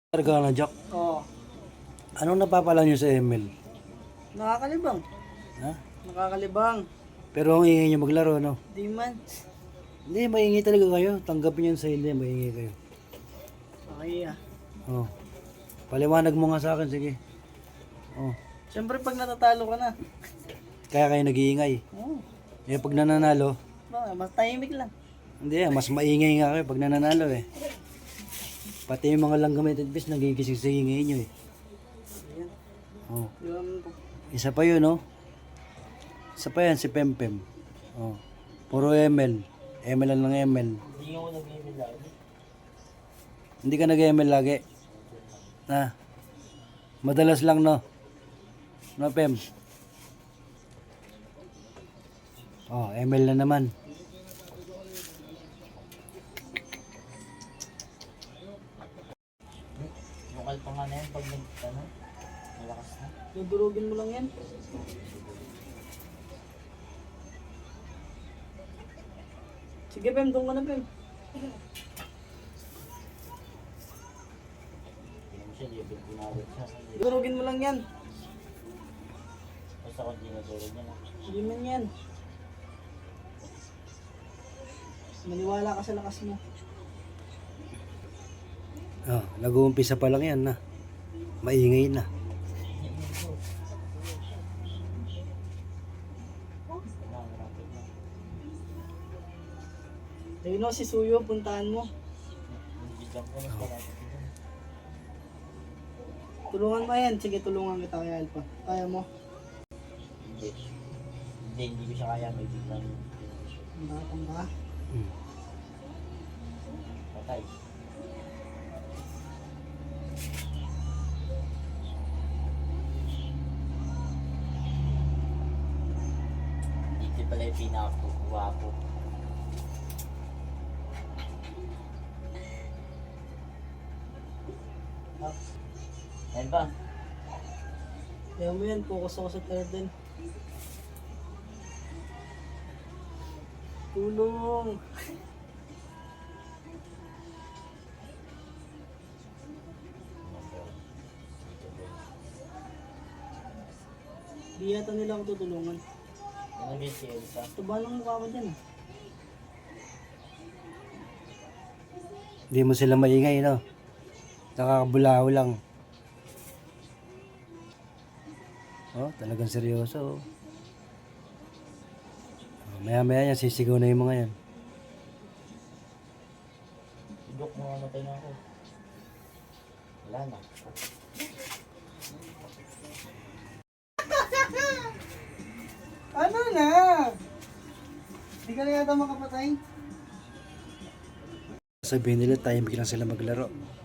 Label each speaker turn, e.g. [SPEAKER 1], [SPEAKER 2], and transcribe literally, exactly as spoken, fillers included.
[SPEAKER 1] Karga na Jack.
[SPEAKER 2] Oo.
[SPEAKER 1] Anong napapala nyo sa M L?
[SPEAKER 2] Nakakalibang.
[SPEAKER 1] Ha?
[SPEAKER 2] Nakakalibang.
[SPEAKER 1] Pero ang ingay nyo maglaro, no?
[SPEAKER 2] Di man.
[SPEAKER 1] Hindi, maingay talaga kayo. Tanggapin yan sa hindi, maingay kayo.
[SPEAKER 2] Okay ah.
[SPEAKER 1] Oh. Paliwanag mo nga sa akin, sige. Oh.
[SPEAKER 2] Siyempre pag natatalo ka na.
[SPEAKER 1] Kaya kayo nag-iingay.
[SPEAKER 2] Oo.
[SPEAKER 1] Eh, pag nananalo,
[SPEAKER 2] Baka mas tahimik lang.
[SPEAKER 1] hindi, mas maingay nga kayo pag nananalo eh. Pati yung mga langgamited fish, nagigising sa ingay nyo eh.
[SPEAKER 2] Ayan.
[SPEAKER 1] Oh.
[SPEAKER 2] Yung,
[SPEAKER 1] Isa pa yun, no? Isa pa yan, si Pempem. Oh. Puro M L. M L lang ng M L.
[SPEAKER 2] hindi ako nag-M L lagi.
[SPEAKER 1] Hindi ka nag-M L lagi. Na. Madalas lang, no? No, Pem? Oh, M L na naman.
[SPEAKER 3] Lokal pa nga na yan pag nag, ano, malakas na.
[SPEAKER 2] Dudurugin mo lang yan. Sige Pem, doon ka na Pem.
[SPEAKER 3] Hindi mo siya, libre pinawit siya.
[SPEAKER 2] Dudurugin mo lang yan.
[SPEAKER 3] Basta kung dinadulog niya na.
[SPEAKER 2] Hindi man yan. Maniwala ka sa lakas mo.
[SPEAKER 1] Oh, nag-uumpisa pa lang yan na. Maingay na.
[SPEAKER 3] Nangarapit na.
[SPEAKER 2] Ayun o, si Suyo, puntahan mo.
[SPEAKER 3] Hindi lang ko mas malapit na.
[SPEAKER 2] Tulungan mo yan. Sige, tulungan kita kay Alpha. Kaya mo.
[SPEAKER 3] Hindi. Hindi, hindi ko siya kaya. May biglang
[SPEAKER 2] Ang batang ka.
[SPEAKER 1] Hmm.
[SPEAKER 3] patay. Dito pala yung pinakakuha po. Ayan ba?
[SPEAKER 2] Kaya mo yan, focus ako sa turtle. Tulong! Di yata nila ako tutulungan.
[SPEAKER 3] Ano ba si Elsa?
[SPEAKER 2] Taba ng mukha mo dyan.
[SPEAKER 1] Hindi mo sila maingay, no? Nakakabulaw lang. Oh, talagang seryoso. Oh. Oh, maya-maya yan, sisigaw na yung mga yan.
[SPEAKER 3] Dok, mamamatay na ako. Wala na.
[SPEAKER 2] Ano na? Di ka na yata makapatay?
[SPEAKER 1] Sabihin nila, tahimik lang sila maglaro.